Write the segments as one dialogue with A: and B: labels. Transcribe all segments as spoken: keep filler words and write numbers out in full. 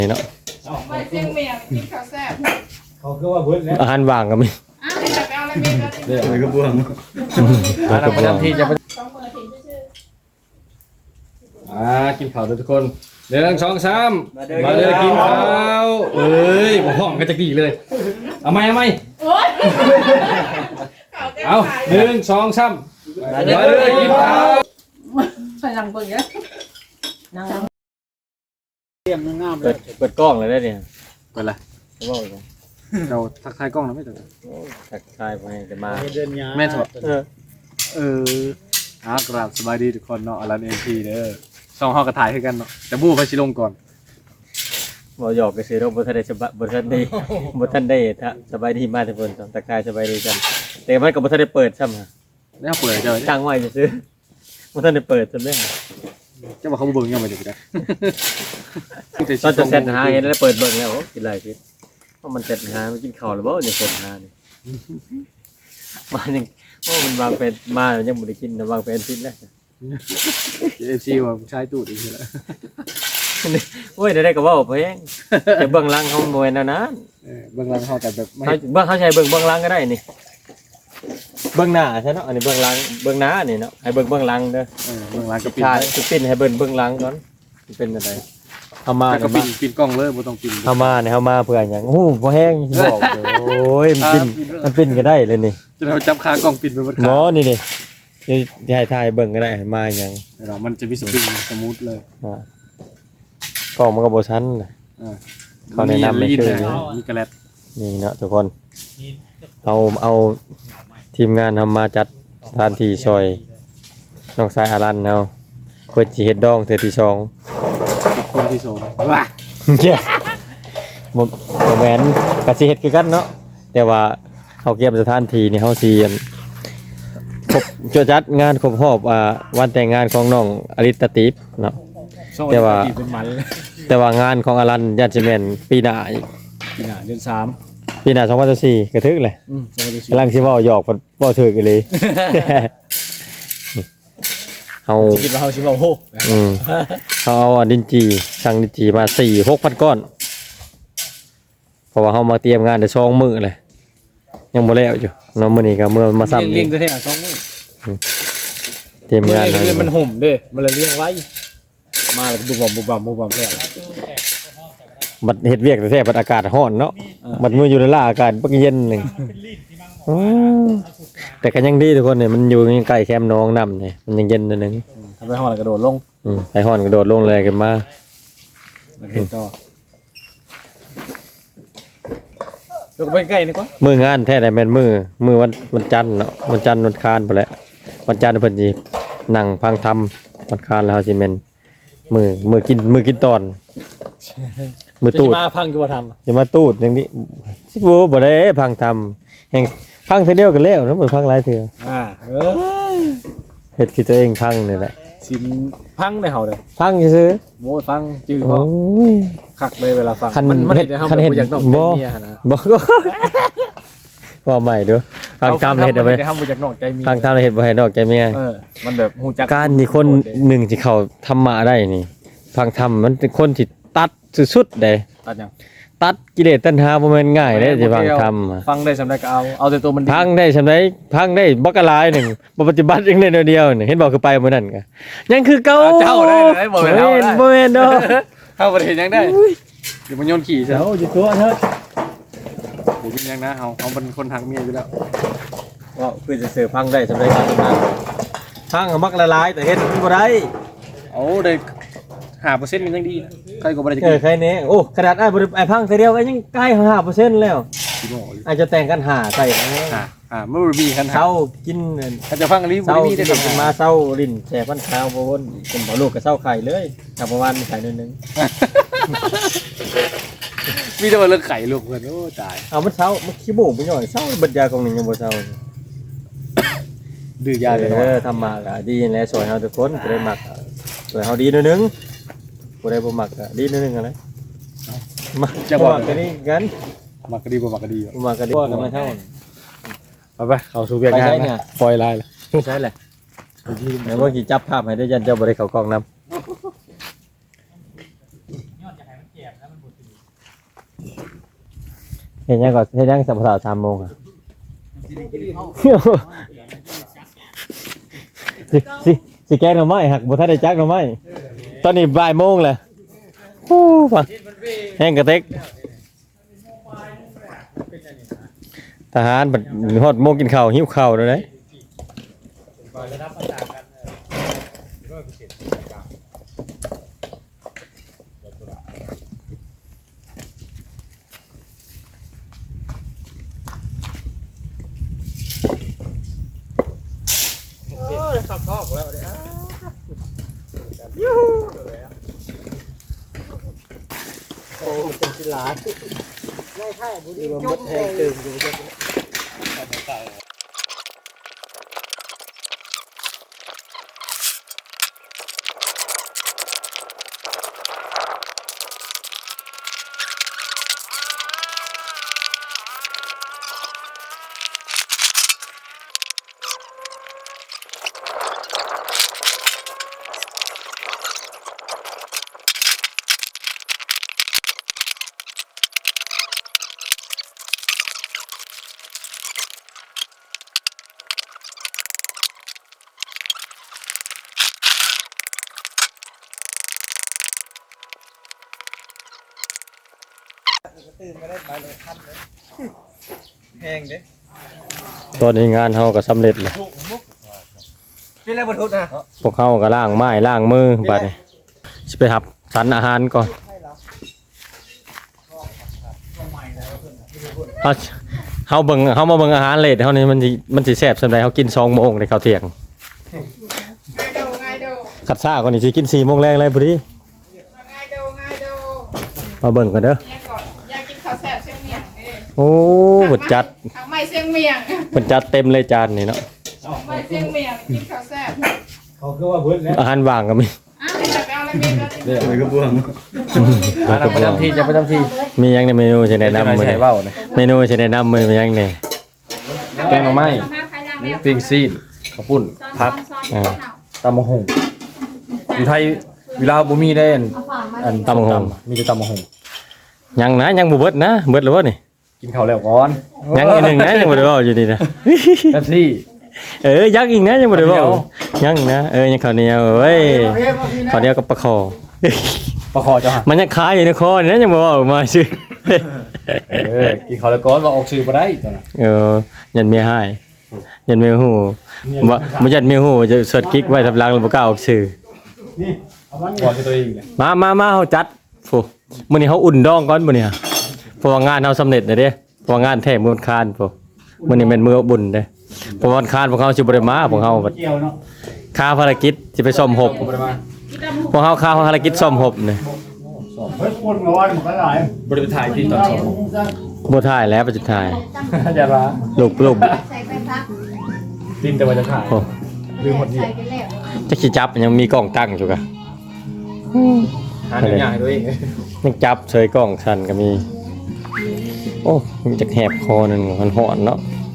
A: เนาะ
B: ไปเชียงเมียกินข้าวแซ่บ
C: เขาคือว่าเบิ้ลแล้ว
A: อาหารว่างก็มี
B: อ้าวจะไปเอาอะไรเมียกัน
C: เดี๋ยวไปกระบวง
A: แล้วก็บ่ที่จะ
B: สองมือถึงชื่อ
A: อ่ากินข้าวทุกคนเดี๋ยวสองสามมาเลยกินข้าวเอ้ยบ่ห้องกันจะกี่เลยเอาไหมเอาไหม
B: โอ๊ย
A: เอาหนึ่งสองสามมาเลยกินข้าว
B: ใส่ลังเบิ่งเยอะนั่ง
C: เตรียมงามเล
A: เปิ
C: ย
A: ดเปิดกล้องเลยได้เนี่ย
C: เป็นไร
A: จะบอกเลย
C: เราทักทายกล้องนะไม่ถูก
A: ทักทายไปจะมา
C: เดินยาแม่ถอดเออเอออากราบสบายดีทุกคนเนาะอลันเอ็นพีเด้อสองห้องกระถ่ายให้กันเนาะแต่บู้ไปชิลงก่อน
A: บ่หยอกไปซื้อเราบ่ทันได้สบายบ่ทันได้บ่ทันได้ถ้าสบายดีมากทุกคนทักทายสบายดีกันแต่มันก็บ่ทันได้เปิดซ้ำฮะ
C: แล้วเปิดเจอ
A: ตั้งไว้ซื้อบ่ทันได้เปิดซ้ำเด้อ
C: จะบอกเขาเบิ่งยังไม่ได้ได้
A: ตอนจะเสร็จหาเห็นแล้วเปิดเบิ่งแล้วโอ้กินอะไรกินเพราะมันเสร็จหาไม่กินข้าวหรือเปล่าเนี่ยเสร็จหานี่มายังโอ้มันวางเป็นมายังบ่ได้กินนะวางเป็นพิษแล้ว
C: เอฟซีว่าใช้ตูดอีกแล้ว
A: โอ้ยได้ก็เว้าไปเองแต่เบื้องหลังเขาบ่แม่นแนวนั้น
C: เออเบื้องหลังเขาแต่แบบไม่
A: เขาเบื้องเขาใช้เบื้องเบื้องหลังก็ได้นี่เบื้องหน้าใช่เนาะอันนี้เบื้องหลังเบื้องหน้านี่เนาะให้เบิ่งเบื้องหลังเด้อ
C: เออเบื้องหลังก็ปิด
A: ใช่สิปิ้นให้เบิ่งเบื้องหลังก่อนสิเป็นอะไรเอามา
C: ก็
A: เนี่ย
C: ปิ
A: มา
C: ดปิดกล้องเลยบ่ต้องปิด
A: เอามาเนี่ยเอามาเพื่อหยังโอ้บ่แห้งบอกโอ้ยมันปิ้นมันปิ้นก็ได้เลยนี่
C: จะเราจับคากล้องปิดไปหมด
A: หม
C: ขา
A: อนี่นี่จะให้ถ่ายเบิ่งก็ได้มาหยัง
C: เรามันจะมีสปริงสมูทเลย
A: อ่า กล้องมันก็บ่ชันน่ะ เขาแนะนำไม่ชื่อ
C: มีกระแลด
A: นี่เนาะทุกคนเอาเอาทีมงานทำมาจัดสถานที่ซอยน้องสายอารันเอาเพิ่นสิเฮ็ดดองเทื่อที่สอง
C: คนที่สองว้า
A: เย้บ่บ่แม่นก็สิเฮ็ดคือกันเนาะแต่ว่าเฮาเก็บสถานที่นี่เฮาสิอั่นครบจะจัดงานครบรอบอ่าวันแต่งงานของน้องอลิตติปเนาะ แต่ว่า
C: เป็นมันเลย
A: แต่ว่างานของอารันญาติแม่นปีหน้าอีก
C: ปีหน้าเดือนสาม
A: ปีหน้าสองพันสิบสี่ก็ถึกเลย
C: อืมสองพันสิบสี่
A: กำลังสิเว้าหยอกบ่บ่ถึกอีหลี เฮา
C: คิดว่าเขาชิบะโฮ
A: อืมเฮาเอาอันดินจีสั่งดินจีมา สี่หกพัน ก้อน เพราะว่าเฮามาเตรียมงานได้สองมื้อเลยยังบ่แล้วอยู่เนาะมื้อนี้ก็มื้อมาซ้ำ
C: เลี้
A: อี
C: ยง
A: ก
C: ตัวแท้สองมื้อ
A: เตรียมงาน
C: เลี้ยงมันห่มเด้มันเลยเลี้ยงไว้มาแล้วบุบบุบบุบบุบบุบแล้ว
A: บัดเฮ็ดเวียกแต่แท้บัดอากาศร้อนเนาะบัดมื้ออยู่ในล่าอากาศบักเย็นนึงอ๋อแต่ก็ยังดีทุกคนเนี่ยมันอยู่ใกล้แคมป์น้องน้ำเนี่ยมันยังเย็นนิดนึง
C: ทำไปห้องแล้วกระโดดลง
A: อืมไปฮ้อนกระโดดลงเลยกันมา
C: แล้วเห็นต่อลงไปใกล้นี่ก่อน
A: มื้องานแท้ได้แม่นมื้อมื้อวันวันจันทร์เนาะวันจันทร์วันคานพุ่นแหละวันจันทร์เพิ่นสินั่งพังทำวันคานแล้วเฮาสิแม่นมื้อมื้อกินมื้อกินตอนมื้อตูด
C: มาพังกูมาท
A: จะมาตูดอย่างนี้สิบ่บ่ได้พังทำแห่งพังเทื่อเดียวกันแล้วเนาะบ่พังหลายเทื่อ
C: ำอ่าเออ
A: เฮ็ดคือตัวเองพังนี่แหละ
C: สินพังในเห่าเลย
A: พังซื่อ
C: โม้ฟังจืด
A: ๆ
C: เพ
A: โอ้
C: ราะ
A: ย
C: คักเลยเวลาฟัง
A: คัน
C: มันมัน
A: เฮ็ด
C: เห็นในห้อง
A: คันเฮ็ด
C: อยากนอก
A: บ่
C: ใจเมียนะ
A: บอกว่าใหม่เด้อฟังทำเฮ็ดเอาไป
C: ในห้องอยากนอกใจเมีย
A: ฟังทำเฮ็ดบ่ให้ดอกใจเมีย
C: เออมันแบบหูจัก
A: การที่คนหนึ่งที่เขาธรรมะได้นี่ฟังธรรมมันเป็นคนที่ตัดสุดๆเด้
C: ตัดยัง
A: ตัดกิเลสตัณหาบ่แม่นง่ายเด้สิฟังธรรมอะ
C: ฟังได้สำได้ก็เอาเอาแต่ตัวมันดี
A: พังได้ซำใดพังได้บักกะหลายหนึงบ่ปฏิบัติอย่างเดียวเดียวนี่เห็นบอกคือไปมื้อนั้นก็ยังคือเก่า
C: เจ้าได้ได้บ่
A: บ่
C: เป็น
A: แม่
C: เฮาน ได้
A: บ่แม่นดอก
C: เฮาบ่ได้เห็นยังได้เดี๋ยวมันโยนขี่ซะ
A: เจ้าอยู่ตัวเถอะ
C: เดี๋ยวเป็นยังนะเฮาเฮาเป็นคนทางเมียอยู่แล้ว
A: ว่าคือจะเสือพังได้สำใดก็ตามพังก็มักละลายแต่เฮ็ดบ่ได้
C: เอาได้ห้าเปอร์เซ็นต์มันยังดีนะใครก็บ่ได้จะ
A: เอ
C: กิ
A: อน ใครแน่โอ้ขนาดอ้ายบ่ได้อ้ายพังแต่เดียวก็ยังใกล้ห้าเปอร์เซ็นต์แล้ว
C: สิบ่อยู่
A: อาจจะแต่งกันหาใส่อันนี้
C: อ่าอ่ามันบ่มีคัน
A: เช้ากิน
C: ถ้าจะฟังอันนี้บ่
A: เช้า
C: ได้มี
A: กิ
C: ได้
A: น
C: ดอก
A: กินมาเช้าลิ้นแช่พันข้าวบ่วนเป็นบ่ลูกก็เช้าไข่เลยถ้าประมาณไข่นิดนึง
C: มีแต่ว่าเรื่องไข่ลูกเพิ่นโอ้ตาย
A: เอามันเช้ามันขี้โมงไปหน่อยเช้าบัดยากองหนึงยังบ่เช้า
C: ดื้อยาเลย
A: เอ
C: เนาะ
A: อทำมาก็ดีนั่นแหละสวยเฮาทุกคนบ่ได้มักสวยเฮาดีหนิดนึงบ่ได้บ่มักก็ดีหนิดนึงอะไรมาจะบอกกันนี่กัน
C: มักก็ดีบ่มักก็ดี
A: บ่มักก็ดีก็มาเท่า
C: ไปไปเข้าสู่เวียกงาน
A: ไปใช้เนี่ย
C: นะปล่อยลายเลย
A: ใช่แหละเดี๋ยวเมื่อกี้จับภาพให้ได้ยันเจ้าบริเขากล้องนำห็นยังก่อนเห็นยังสัปดาห์สามโมงอ่ะสิสิสิแกงหน่อไม้หักบ่ทันได้จักหน่อไม้ตอนนี้บ่ายโมงแล้วโอ้ป่ะแห้งกระเต็กทหารบัดฮอดโมงกินข้าวหิวข้าวแล้วเด้ตอนนี้งานเฮาก็สำเร็จแล้ว
C: นี่แหละบรรทุกนะ
A: พวกเฮาก็ล้างไม้ล้างมือบัดนี้สิไปหับสรรอาหารก่อนเฮาเฮาเบิ่งเฮามาเบิ่งอาหารเลทเฮานี่มันสิมันสิแซ่บส่ำใดเฮากินสองโมงได้ข้าวเที่ยง
B: ง่ายดูง่ายดู
A: คัดซ่าก่อนนี่สิกินสี่โมงแรงเลยพอดี
B: ง่ายดูง่ายดู
A: มาเบิ่งกันเด้อ
B: เนี่ยก่อนอยากกินข้าวแซ่บเชียงเมียงเอ้ย
A: โอ้เพิ่นจัด
B: ทางไม่เชียงเมียง
A: เพิ่นจัดเต็มเลยจานนี่เนาะ
B: ไม่เชียงเมียงกินข้าวแซ่บ
C: เขาคือว่าเบิ้ลแล้ว
A: อาหารว่างก็มี
B: อ้าวจะไปเอาอะไรเมียก็ได้
C: เดี๋ยวไปกระบวงจะประจำที่จะประจำที่
A: มีหยังในเมนูสิแนะนำมื้อ
C: ใช้
A: นี้
C: เบ้าเนี่ย
A: เมนูสิแนะนำมื้อนี้มีหยังแหน่
C: แกงหน่อไม้ปิ้งซีนข้าวปุ้นผัก
A: อ่า
C: ตำมะฮงอยู่ไทยเวลาบ่มีได้อันอัน
A: ตำบักหุ่ง
C: มีแต่ตำมะฮง
A: ยังนะยังบ่เบิดนะเบิดแล้วบ่นี่
C: กินข้าวแล้วก่อน
A: ยังอีกหนึ่งนะยังบ่ได้เว้าอยู่ดีนะ
C: แป๊บซี่
A: เออยังอีกนะยังบ่ได้เว้า
C: ข้าวเหนียว
A: ยังนะเออยังข้าวเหนียวเว้ยข้าวเหนียวกับปลาคอ
C: ประคอเจ้าหะ
A: มันยังคายอยู่ในคอนี่นะยังบ่เว้าออกมาซื่อ
C: เออกินข้าวแล้วก่อนว่าออกชื่อบ่ได้ตอนนั้น
A: เออยันเมียให้ยันเมียฮู้บ่บ่ยันเมียฮู้จะสวดกิ๊กไว้ทับหลังแล้วบ่กล้าออกชื่อ
C: ก่อนที่ตัวเองเลย
A: มามามาเฮาจัดโฟมื้อนี้เฮาอุ่นดองก่อนมื้อนี้เพราะว่างานเฮาสำเร็จแล้วเด้เพราะว่างานแท้มื้อวันคานโฟมื้อนี้แม่นมื้อบุญเด้เพราะวันคานพวกเฮาสิบ่ได้มาพวกเฮาบัดค่าภารกิจสิไปซ่อมหบ
C: บ่ได้มา
A: พวกเฮาค่าภารกิจซ่อมหบนี่
D: เฮ้ยคนร้อนมันก็หลาย
C: บ่ได้ไปถ่ายที่ตอนสอง
A: บ่ถ่ายแล้วปัจจุบัน
C: อย่าว่า
A: ลูกลูก
E: ใส่ไปพัก
C: ดินแต่ว่าจะถ่าย
A: โอ้
C: ลืมหมดนี่
E: ใส่ไปแล้ว
A: จะสิจับยังมีกล้องตั้งอยู่กะ
C: หาหนึ่งอย่างให้ตัวเอง
A: ยังจับเฉยกล้องสั่นก็มี โอ้มันจะแหบคอนั่นมันหอนเนาะ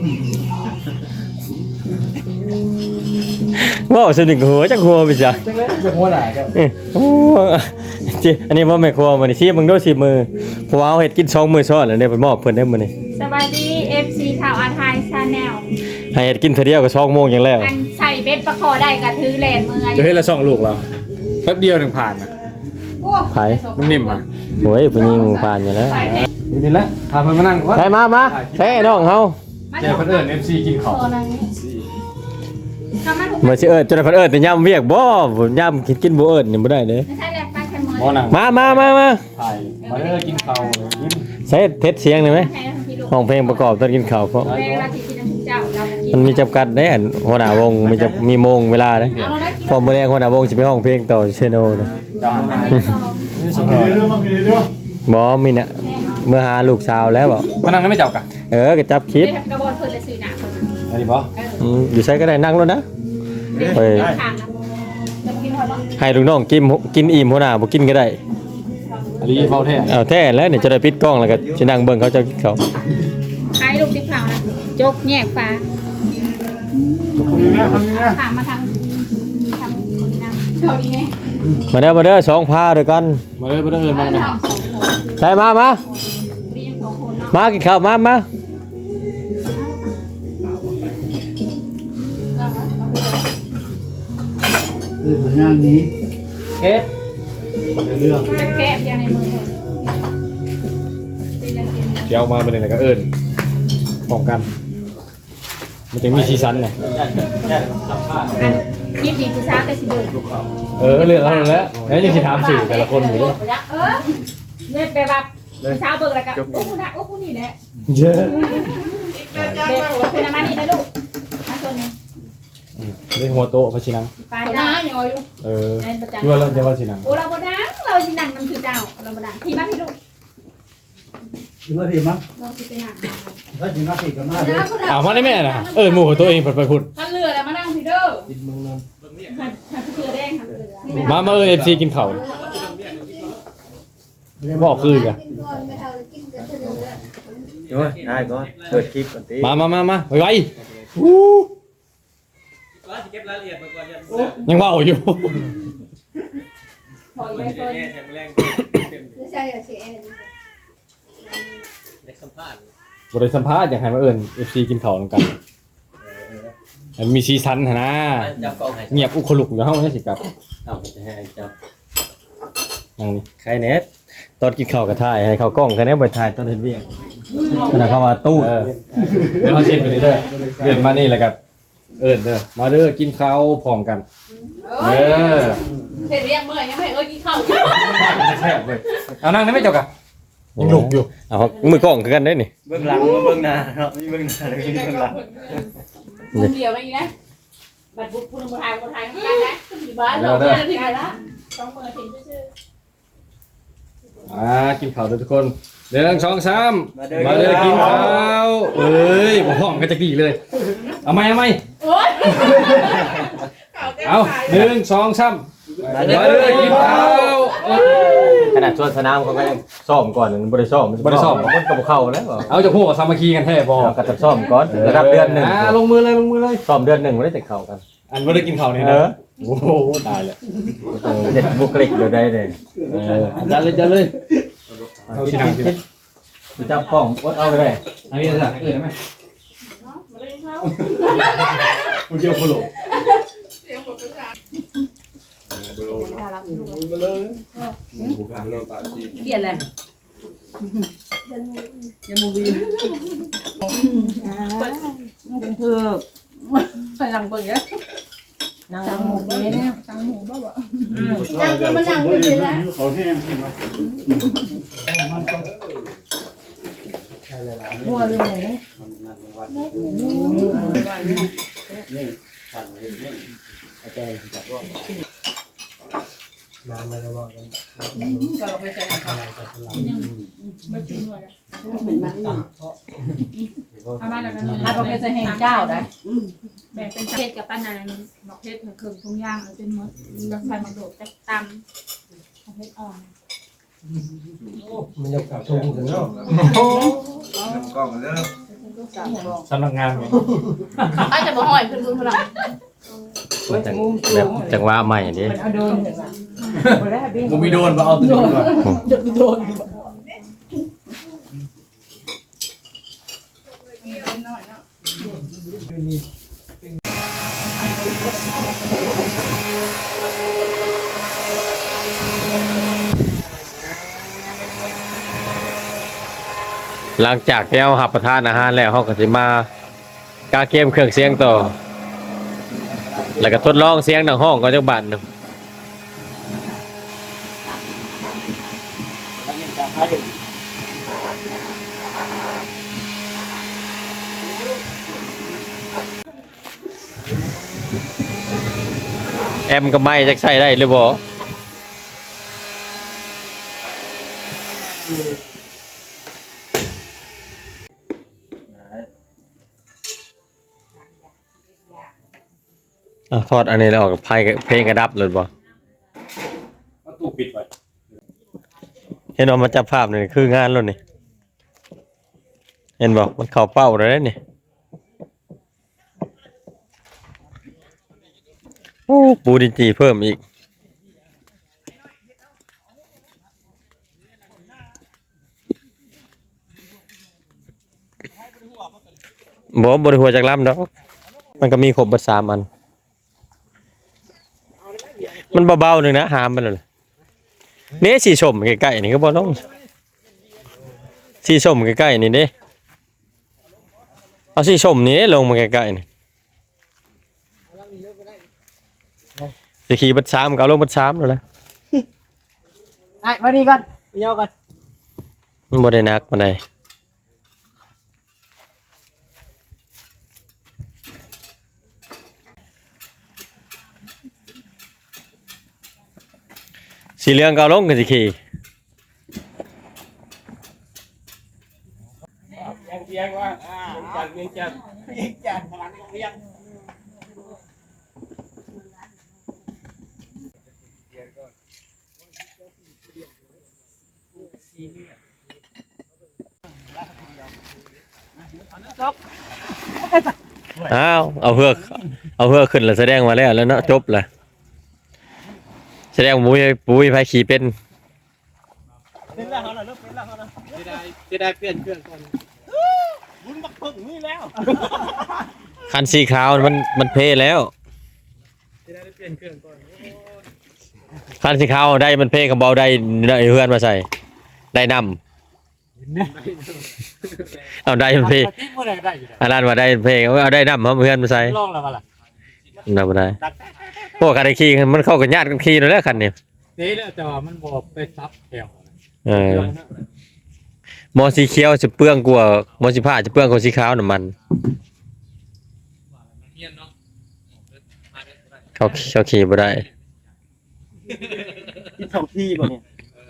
A: ว้าวสนิทหัวจักหัวไปจ้ะ
C: จะหัวหน้ากัน
A: เอ้ยโอ้จิอันนี้บ่แม่ครัวมื้อนี้สิมึงดูสิมือเพราะว่าเอาเฮ็ดกินสองมื้อซ้อนแล้วได้ไปมอบเพิ่นได้มื้อนี้
E: สบายดี เอฟ ซี ข่าวอาไทยชาแนล
A: ให้เฮ็ดกินเทื่อเดียวก็สองโมงอย่างแล้ว
E: อันใส่เบ็ดประคอได้กระถือแหลนมือ
C: จะให้ละสองลูกเราแป๊บเดียวหนึ่งผ่านนะ
E: โอ้
A: ไผ
C: นุ่มนิ่มอ่ะ
A: โอ้ยผู้หญิงผ่านอยู่แล้ว
C: นี่แหละพาเพื่อนมานั่งก่อน
A: ใช่มามาใช่น้องเฮา
E: มา
C: เจอคนอื่น เอฟ ซี กินของ
E: ตัวนั้นทำมาถูก
A: บ่สิเอิ้นจนเพิ่นเอิ้นแต่ย่ำเวียกบ่ย่ำกินกินบ่เอิ้นนี่บ่ได้เด้
E: ไม่ใช่แหลกไปแค่มือ
C: มอนัง
A: มามามามา
C: ถ่ายมาเด้อกินข้าวกิน
A: ใช้เทสเสียงได้ไหม
E: ใช่ทั้งพี่ลูก
A: ห้องเพลงประกอบตอนกินข้าวเพราะ
E: เวลาที่กินน้ำเจ้าเรากิน
A: มันมีจำกัดได้อันหัวหน้าวงมีจะมีโมงเวลาเด้
E: เอาได้กิน
A: พอมื้อแรกหัวหน้าวงสิไปห้องเพลงต่อเชโนเด้
C: จ้านี่สุดย
D: มี
C: อด
D: เรื่องมันมีเรื่อง
A: บ่มีน่ะเมื่อหาลูกสาวแล้วบ่
C: มานั่งนั้นไม่จับกัน
A: เออก็จับคลิป
E: ได้กระบอกเพิ่นเลยสื่อหนาเพิ่น
C: อันนี้ปะ
A: อืมอยู่ใช้ก็ได้นั่งแล้วนะ
E: เฮ้ยทางนะจะกินหมดแล้ว
A: ให้ลูกน้องกินกินอิ่มหัวหน้าบ่กินก็ได้
C: อันนี้เฝ้าแท้
A: เอาแท้แล้วเนี่ยจะได้ปิดกล้องแล้วก็สินั่งเบิ่งเขาเจะกินข้าว
E: ใช้ลูกติ๊กเผานะจกแยกฟ้า
D: มีนะทำนี่นะ
E: ถามมาทางทางคนนี้นะเท่านี้ไง
A: มาเด้อมาเด้อสองพาด้วยกัน
C: มาเลยมาเด้อมาเลย
E: สองคน
A: ใช่มามา
E: มีสองคนเนาะ
A: มากินข้าวมามา
D: เรื่องงานนี้
C: เอ๊ะ
D: เรื่อง
E: แกะยังในมือ
A: เดี๋ยวมาเป็นอะไรก็เอิญป้องกัน มันจะมีซีซันไง
E: อันยิบดีกูช้าแต่สิเดิน
A: เออเรื่องอะไรแล้วแล้วยังจะถามสื่อแต่ละคนอยู่เลย
E: เออเนี่ยไปแบบเช้าเบิกแล้วก็โอ้คุณนะโอ้คุณนี่แหละ
A: เยอะ
B: เดินจ้า
E: เด็ก
B: ไป
E: คุณมานี่นะลูกมาตัวนี้
A: เรื่องหัวโต๊ะพระชินัง
E: ไป
B: ห
E: ได้
B: น้าอย่างอยู่
A: เออ
E: ในประจำ
A: ยั่วเราจะว่าชินัง
E: โอ้เราบดังเราสินั่งมันคือเจ้าเราบดังที่บ้านพี่ลูก
D: ถึงนาทีมั้ง
E: เราสิไปนั่ง
D: ถ้าถึงนาทีก็มาเลย
A: อ้าวมาได้แม่นะเออหมู่ของตัวเองเปิดไปพุ่น
E: ขันเรือแล้วมานั่งพี่เด้อขันขันเรือแดงขันเรือ
A: มามาเออเอฟซีกินข้าวบอกคือกัน
F: โอ้ยได้ก่อนเปิดคลิปก่อนติ
A: มามามามาไวไวยังว่าอยู่
E: ถอยไปเลย
A: บริสัมภาษณ์อย่างไรมาเอิญเอฟซีกินข้าวกัน มันมีซีซันนะ
F: จับกล้องให้
A: เงียบอุคลุกอยู่ห้องนี่สิครับ
F: เอาจะให้จับ
A: นั่งนี่
F: ใครเน็ต
A: ตอนกินข้าวกระถ่ายให้เขากล้องกันนี้บ่ถ่ายตอนเฮ็ดเวียกขณะเข้ามาตู้เออเดี๋ยวเขาเช็ดไปเรื่อยๆเดินมานี่แหละครับเอิญเด้อมาเด้อกินข้าวพร้อมกันเออ
B: เห็นเรียกเมื่อยยังไม่เอ้ยกินข้าว
A: แซ่บเลยเอานั่งได้ไหมเจ้ากะยังหนุกอยู่เอามือกล้องคือกันได้นี่
F: เบื้องหลังมาเบื้องหน้าเนาะมีเบื้องหน้าแล้วก็มีเบื้องหลัง
B: มึงเดียวไม่นะ
E: บัดบุกคุณมาทายมาทายกันนะอยู่บ้านเราเนี่ยที่ไหนละต้องเปิดถึงชื่อ
A: อ่ากินข้าวเด้อทุกคนเดี๋ยวสองสามมาเด้อกินข้าวเอ้ยบ่พร้อมกันจักดีเลยเอาไหมเอาไหม
B: โอ๊ย
A: เอาหนึ่งสองสามมาเด้อกินข้าว
F: ขนาดชวนสนามเขาก็ยังซ้อมก่อนมันบ่ได้ซ้อมมันก็บ่เข้าแล้ว
A: เอาจะพูดกับสามัคคีกันแท้บ่
F: เอาก็จะซ้อมก่อนระดับเดือนหนึ่ง
A: อ่าลงมือเลยลงมือเลย
F: ซ้อมเดือนหนึ่งบ่ได้จะเข้ากัน
A: อันบ่ได้กินข้าวนี่
F: เอ
A: นะ
F: อ
A: โอ้โหตายแล้ว
F: เด็ดบุคลิกเดี๋ยวได้เลย
A: เออจัดเลยจัดเลยเอาสิหนังสิ
F: จับกล้องวัดเอาไปเลย
A: อันนี้จะเออได้ไหมมึงเจียวโคโล
B: เสียงบอกภาษา
E: เปลี่ยนเลยยังมูบีเป็นเพื่อไปหลังเบิ่งเนี่ยนางหมูเนี่ย
B: ตังหมูบ้าบ่
D: นั่งก็มานั่งไม่ได้แล้วเขาแห้งขึ้นมา
E: มัวเลยไหน
B: ก็เราไปใส่ข้าวไม่กินเลยเอามาแล้วกัน
E: ถ้าเราเป็นจะแห่งเจ้าได้
B: แบ่งเป็นเพชรกับป้านาหมอกเพชรเครื่องทุ่งย่างเป็นมดเราใส่มะโดดจะตำเพชรอ่อน
A: มันยกขาชูถึงเนาะ
F: กล้องเด้อ
A: สำนักงานไง
B: อาจจะบ่ห้อยขึ้นคุณพลัง
F: จังแบบจังหวะใหม่ดิ
A: มึงมีโดนมาเอาตัวนี้ก่อน
B: น้อยเนาะ
A: หลังจากที่เราหับประทานอาหารแล้วเขาก็จะมากาเกมเครื่องเสียงต่อ แล้วก็ทดลองเสียงดังห้องก็จักบาทหนึงแอมก็ไม่จักใส่ได้หรือบ่อ่ะทอดอันนี้แล้วออกกับไพ่เพลงกระดับเลยบ่
C: ตู้ปิดไว้
A: เห็นว่ามันจับภาพนี่คืองานแล้วนี่เห็นบ่มันเข้าเป้าแล้วนี่โอ้ปูดินจีเพิ่มอีกบ่บ่ได้หัวจากลำดอกมันก็มีครบเบิดสามอันมันเบาๆหนึงนะหามมันเลยนี่สีส้มใกล้ๆนี่ก็บ่ลงสีส้มใกล้ๆนี่เด้เอาสีส้มนี่ลงมาใกล้ๆนี่สิขี่เบิดสามก็เอาลงเบิดสามแล้วล่ะ
E: ไอ้มาดีก่อนเยาก่อน
A: มันบ่ได้หนักปานใดสีเหลืองก็เอาลงก็สิขี่
C: ยังเพียงว่าอ่าจากเวียงจันทร์
E: จันพลังเรียง
A: อ้าวเอาเฮือกเอาเฮือกขึ้นแล้วแสดงมาแล้วแล้วเนาะจบละแสดงว่าปุ้ยปุ้ยพายขี่เป็น
E: เป็นแล้วเขาน่ะเริ่มเป็นแล้วเขาน่ะ
C: จะได้จะได้เปลี่ยนเครื่องก่อน
E: บุญบักพึ่งนี่แล้ว
A: คันสีขาวมันมันเพแล้ว
C: จะได้เปลี่ยนเครื่องก่อน
A: คันสีขาวได้มันเพกับเบาได้ได้เฮือนมาใส่ได้นำเอาได้มันเพ
E: ที่เมื่อไหร่ได้อยู่
A: อันนั้นว่าได้เพเอาได้นำเอาเฮือนมาใส่
E: ลองแล้วมาล่ะ
A: นำบ่ได้พวกคันขี่มันเข้ากับญาติกันขี่นั่นแหละคันนี้
C: เจ๊แล้วแต่ว่ามันบอกไปซับแถว
A: เออมอสีเขียวจะเปลืองกว่ามอสีผ้าจะเปลืองกว่าสีขาวน้ำมันเขาเขาขี่บ่ได้
E: กินสองที่บ่เนี่ย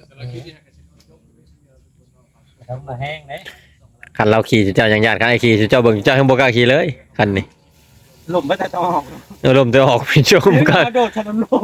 E: ทำมาแห้งเลย
A: คันเราขี่เจ้าอย่างญาติคันไอ้ขี่เจ้าเบิ่งเจ้ายังบ่กล้าขี่เลยคันนี้
E: ลมไม่แต่ต้องออก
A: เออลมจะออกพี่ชมกัน
E: กระโดดชนลม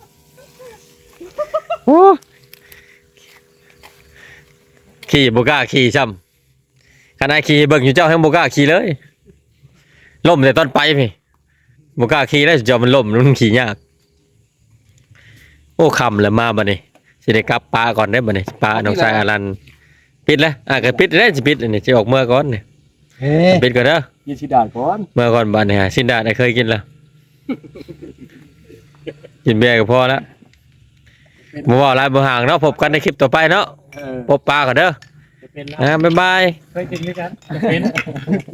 A: ขี่บ่กล้าขี่ซ้ำคันไอ้ขี่เบิ่งอยู่เจ้ายังบ่กล้าขี่เลยล่มแต่ตอนไปพี่บ่กล้าขี่แล้วเจ้ามันล่มมันขี่ยากโอ้ค่ำแล้วมาบัดนี้สิได้กลับปลาก่อนได้บัดนี้ปลาน้องชายอารันปิดแล้วอ่ะก็ปิดได้สิปิดอันนี้สิออกเมื่อก่อนนี่
E: เฮ้ย
A: ปิดก่อนเด้อ
E: ยินชิดาก่อน
A: เมื่อก่อนบัดนี้ฮะสินดาได้เคยกินแล้วกินเบียร์ก็พอแล้วบ่ว่าหลายบ่ห่างเนาะพบกันในคลิปต่อไปเนาะ
E: เออ
A: พบปลาก่อนเด้อ
E: จะเป็นแล้ว
A: อ่าบ๊ายบาย
E: เคยกินด้วยกันจะเป็น